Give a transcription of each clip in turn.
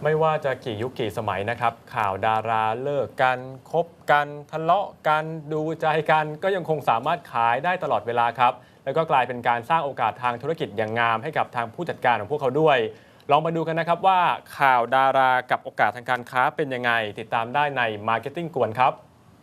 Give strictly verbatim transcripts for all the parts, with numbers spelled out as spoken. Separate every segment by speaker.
Speaker 1: ไม่ว่าจะกี่ยุคกี่สมัยนะครับข่าวดาราเลิกกันคบกันทะเลาะกันดูใจกันก็ยังคงสามารถขายได้ตลอดเวลาครับแล้วก็กลายเป็นการสร้างโอกาสทางธุรกิจอย่างงามให้กับทางผู้จัดการของพวกเขาด้วยลองมาดูกันนะครับว่าข่าวดารากับโอกาสทางการค้าเป็นยังไงติดตามได้ใน Marketing กวนครับ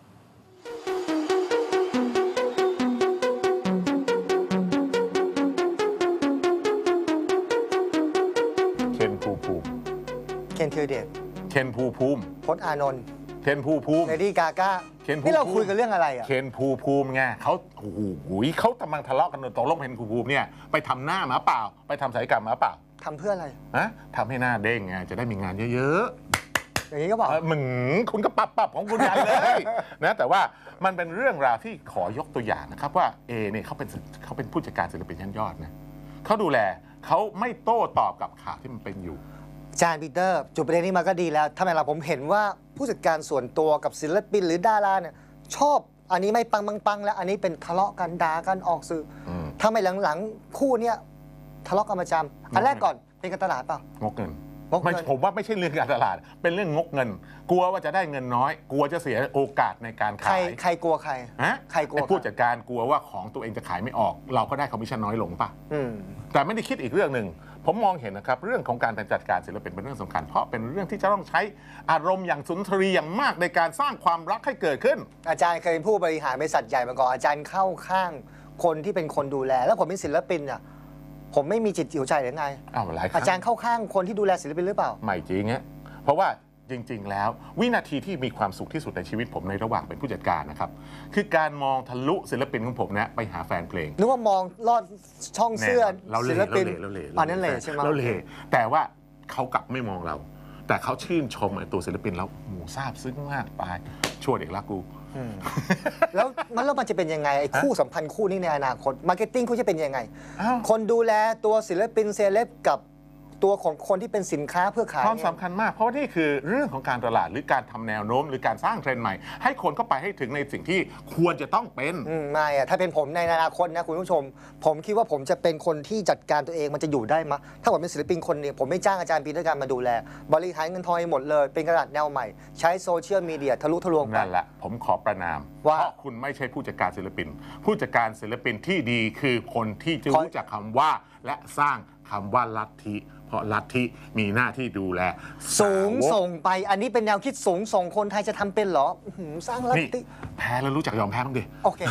Speaker 2: เคนภูมิภูมิ
Speaker 3: เคนธีรเดช
Speaker 2: เคนภูมิภูมิ
Speaker 3: พจน์อานนท์
Speaker 2: เคนภูมิภูมิ
Speaker 3: เลดี้กาก้านี่เราคุยกันเรื่องอะไรอ่ะ
Speaker 2: เคนภูมิภูมิไงเขาโอ้โหเขากำลังทะเลาะกันตกลงเคนภูมิภูมิเนี่ยไปทำหน้ามาเปล่าไปทำศัลยกรรมมาเปล่า
Speaker 3: ทำเพื่ออะไร
Speaker 2: ฮะทำให้หน้าเด้งไงจะได้มีงานเยอะ
Speaker 3: ๆอย่างนี้ก็บอก
Speaker 2: มึงคุณก็ปรับปรับของคุณใหญ่เลยนะแต่ว่ามันเป็นเรื่องราวที่ขอยกตัวอย่างนะครับว่าเอเนี่ยเขาเป็นเขาเป็นผู้จัดการศิลปินชั้นยอดนะเขาดูแลเขาไม่โต้ตอบกับข่าวที่มันเป็นอยู่
Speaker 3: จานปีเตอร์จุดประเด็นนี้มาก็ดีแล้วทำไมล่ะผมเห็นว่าผู้จัดการส่วนตัวกับศิลปินหรือดาราเนี่ยชอบอันนี้ไม่ปังปังปังแล้วอันนี้เป็นทะเลาะกันด่ากันออกสื่อทำไมหลังๆคู่เนี้ยทะเลาะกันประจำอันแรกก่อนเป็นการตลาดเปล่าง
Speaker 2: กเงินไม่ผมว่าไม่ใช่เรื่องการตลาดเป็นเรื่องงกเงินกลัวว่าจะได้เงินน้อยกลัวจะเสียโอกาสในการขาย
Speaker 3: ใครกลัวใคร
Speaker 2: ฮะ
Speaker 3: ใครกลัว
Speaker 2: ผู้จัดการกลัวว่าของตัวเองจะขายไม่ออกเราก็ได้คอมมิชชั่นน้อยลงป่ะแต่ไม่ได้คิดอีกเรื่องหนึ่งผมมองเห็นนะครับเรื่องของการจัดการศิลปินเป็นเรื่องสำคัญเพราะเป็นเรื่องที่จะต้องใช้อารมณ์อย่างสุนทรีอย่างมากในการสร้างความรักให้เกิดขึ้น
Speaker 3: อาจารย์เคยเป็นผู้บริหารบริษัทใหญ่มาก่อนอาจารย์เข้าข้างคนที่เป็นคนดูแลแล้วผมเป็นศิลปินอ่ะผมไม่มีจิตหิวใจหรือไง
Speaker 2: อ้าวหลายครั้ง
Speaker 3: อาจารย์เข้าข้างคนที่ดูแลศิลปินหรือเปล่า
Speaker 2: ไม่จริงฮะเพราะว่าจริงๆแล้ววินาทีที่มีความสุขที่สุดในชีวิตผมในระหว่างเป็นผู้จัดการนะครับคือการมองทะลุศิลปินของผมเนี่ยไปหาแฟนเพลง
Speaker 3: นึกว่ามองลอดช่องเสื้อศิลปิน
Speaker 2: เราเล่
Speaker 3: อันนั้นเลยใช่ไหม
Speaker 2: เราเล่แต่ว่าเขากลับไม่มองเราแต่เขาชื่นชมไอ้ตัวศิลปินแล้วหมูซาบซึ้งมากตายชั่วเด็กรักกู
Speaker 3: แล้วมันแล้วมันจะเป็นยังไงไอ้คู่สัมพันธ์คู่นี้ในอนาคตมาร์เก็ตติ้งคู่จะเป็นยังไงคนดูแลตัวศิลปินเซเลบกับตัวของคนที่เป็นสินค้าเพื่อขาย
Speaker 2: ความสำคัญมากเพราะว่านี่คือเรื่องของการตลาดหรือการทำแนวโน้มหรือการสร้างเทรนด์ใหม่ให้คนเข้าไปให้ถึงในสิ่งที่ควรจะต้องเป็น
Speaker 3: ไม่อะถ้าเป็นผมในอนาคตนะคุณผู้ชมผมคิดว่าผมจะเป็นคนที่จัดการตัวเองมันจะอยู่ได้มั้ยถ้าผมเป็นศิลปินคนเนี่ยผมไม่จ้างอาจารย์ปีเตอร์การมาดูแลบริหารเงินทองหมดเลยเป็นกระดาษแนวใหม่ใช้โซเชียลมีเดียทะลุทะลวง
Speaker 2: นั่นแหละผมขอประนามเพราะคุณไม่ใช่ผู้จัดการศิลปินผู้จัดการศิลปินที่ดีคือคนที่จะรู้จักคำว่าและสร้างคำว่าลัทธิเพราะลัทธิมีหน้าที่ดูแล
Speaker 3: สูงส่งไปอันนี้เป็นแนวคิดสูงส่งคนไทยจะทำเป็นเหรอสร้างลัทธิ
Speaker 2: แพ้แล้วรู้จักยอมแพ้บ้างดิ
Speaker 3: โอเค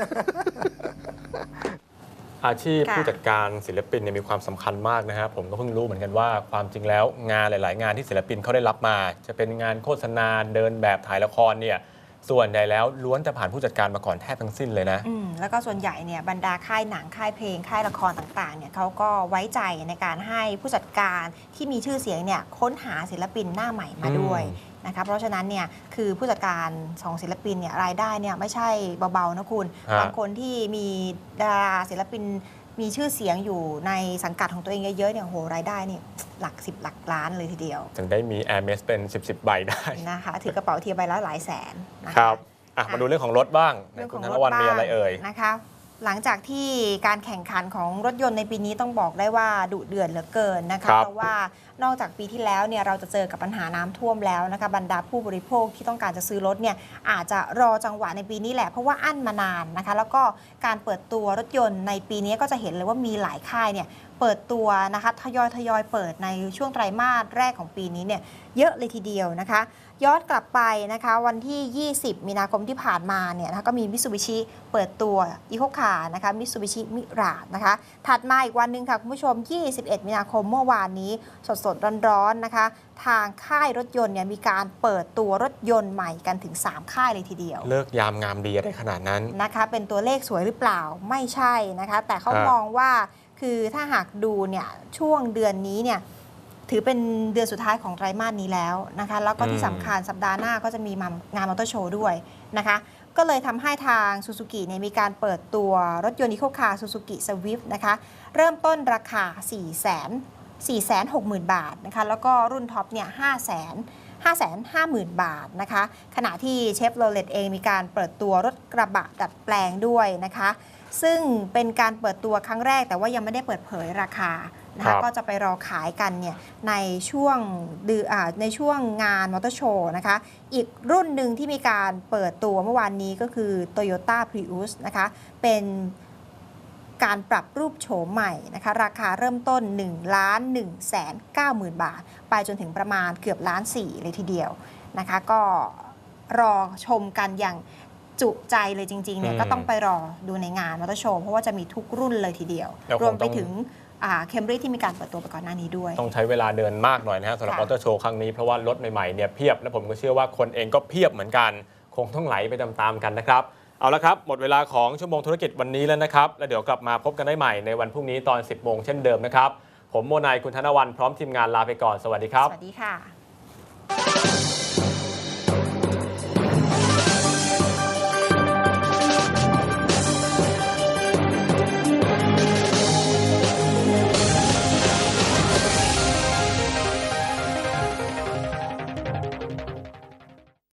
Speaker 1: อาชีพผู้จัดการศิลปินเนี่ยมีความสำคัญมากนะฮะผมก็เพิ่งรู้เหมือนกันว่าความจริงแล้วงานหลายๆงานที่ศิลปินเขาได้รับมาจะเป็นงานโฆษณาเดินแบบถ่ายละครเนี่ยส่วนใหญ่แล้วล้วนจะผ่านผู้จัดการมาก่อนแทบทั้งสิ้นเลยนะ
Speaker 4: อืมแล้วก็ส่วนใหญ่เนี่ยบรรดาค่ายหนังค่ายเพลงค่ายละครต่างๆเนี่ยเขาก็ไว้ใจในการให้ผู้จัดการที่มีชื่อเสียงเนี่ยค้นหาศิลปินหน้าใหม่มาด้วยนะคะเพราะฉะนั้นเนี่ยคือผู้จัดการของศิลปินเนี่ยรายได้เนี่ยไม่ใช่เบาๆนะคุณบางคนที่มีดาราศิลปินมีชื่อเสียงอยู่ในสังกัดของตัวเองเยอะๆเนี่ยโหรายได้นี่หลักสิบหลักล้านเลยทีเดียว
Speaker 1: ถึงได้มี Hermes เป็นสิบ สิบใบได้
Speaker 4: นะคะถือกระเป๋าเทียบใบละหลายแสน
Speaker 1: ครับมาดูเรื่องของรถบ้างคุณธนวัลย์มีอะไรเอ่ย
Speaker 4: นะคะหลังจากที่การแข่งขันของรถยนต์ในปีนี้ต้องบอกได้ว่าดุเดือดเหลือเกินนะคะเพราะว่านอกจากปีที่แล้วเนี่ยเราจะเจอกับปัญหาน้ำท่วมแล้วนะคะบรรดาผู้บริโภคที่ต้องการจะซื้อรถเนี่ยอาจจะรอจังหวะในปีนี้แหละเพราะว่าอั้นมานานนะคะแล้วก็การเปิดตัวรถยนต์ในปีนี้ก็จะเห็นเลยว่ามีหลายค่ายเนี่ยเปิดตัวนะคะทยอยทยอยเปิดในช่วงไตรมาสแรกของปีนี้เนี่ยเยอะเลยทีเดียวนะคะย้อนกลับไปนะคะวันที่ยี่สิบมีนาคมที่ผ่านมาเนี่ยนะคะก็มีมิตซูบิชิเปิดตัวอีโคคาร์นะคะมิตซูบิชิมิราจนะคะถัดมาอีกวันนึงค่ะคุณผู้ชมยี่สิบเอ็ดมีนาคมเมื่อวานนี้สดๆร้อนๆนะคะทางค่ายรถยนต์เนี่ยมีการเปิดตัวรถยนต์ใหม่กันถึงสามค่ายเลยทีเดียว
Speaker 1: เลิกยามงามดีได้ขนาดนั้น
Speaker 4: นะคะเป็นตัวเลขสวยหรือเปล่าไม่ใช่นะคะแต่เขามองว่าคือถ้าหากดูเนี่ยช่วงเดือนนี้เนี่ยถือเป็นเดือนสุดท้ายของไตรมาสนี้แล้วนะคะแล้วก็ที่สำคัญสัปดาห์หน้าก็จะมีงานมอเตอร์โชว์ด้วยนะคะก็เลยทำให้ทางซูซูกิเนี่ยมีการเปิดตัวรถยนต์อีโคคาร์ซูซูกิสวิฟต์นะคะเริ่มต้นราคา สี่แสน สี่แสนหกหมื่น บาทนะคะแล้วก็รุ่นท็อปเนี่ย ห้าแสน ห้าแสนห้าหมื่น บาทนะคะขณะที่เชฟโรเลตเองมีการเปิดตัวรถกระบะดัดแปลงด้วยนะคะซึ่งเป็นการเปิดตัวครั้งแรกแต่ว่ายังไม่ได้เปิดเผยราคานะ
Speaker 1: ครั
Speaker 4: คะ
Speaker 1: บ
Speaker 4: ก็จะไปรอขายกันเนี่ยในช่วงเดือนอ่าในช่วงงานมอเตอร์โชว์นะคะอีกรุ่นหนึ่งที่มีการเปิดตัวเมื่อวานนี้ก็คือ Toyota Prius นะคะเป็นการปรับรูปโฉมใหม่นะคะราคาเริ่มต้น หนึ่งล้านหนึ่งแสนเก้าหมื่น บาท ไปจนถึงประมาณเกือบล้านสี่เลยทีเดียวนะคะก็รอชมกันอย่างจุใจเลยจริงๆเนี่ย
Speaker 1: อืม
Speaker 4: ก็ต้องไปรอดูในงานมอเตอร์โชว์เพราะว่าจะมีทุกรุ่นเลยทีเดียว
Speaker 1: แล้วคง
Speaker 4: รวมไป
Speaker 1: ต้อง
Speaker 4: ถึงเคมบรีที่มีการเปิดตัวไปก่อนหน้านี้ด้วย
Speaker 1: ต้องใช้เวลาเดินมากหน่อยนะฮะสำหรับ
Speaker 4: ค่ะ
Speaker 1: มอเตอร์โชว์ครั้งนี้เพราะว่ารถใหม่ๆเนี่ยเพียบและผมก็เชื่อว่าคนเองก็เพียบเหมือนกัน คงต้องไหลไปตามๆกันนะครับเอาละครับหมดเวลาของชั่วโมงธุรกิจวันนี้แล้วนะครับแล้วเดี๋ยวกลับมาพบกันได้ใหม่ในวันพรุ่งนี้ตอน สิบโมงเช่นเดิมนะครับผมโมนายคุณธนวันพร้อมทีมงานลาไปก่อนสวัสดีครับ
Speaker 4: สวัสดีค่ะ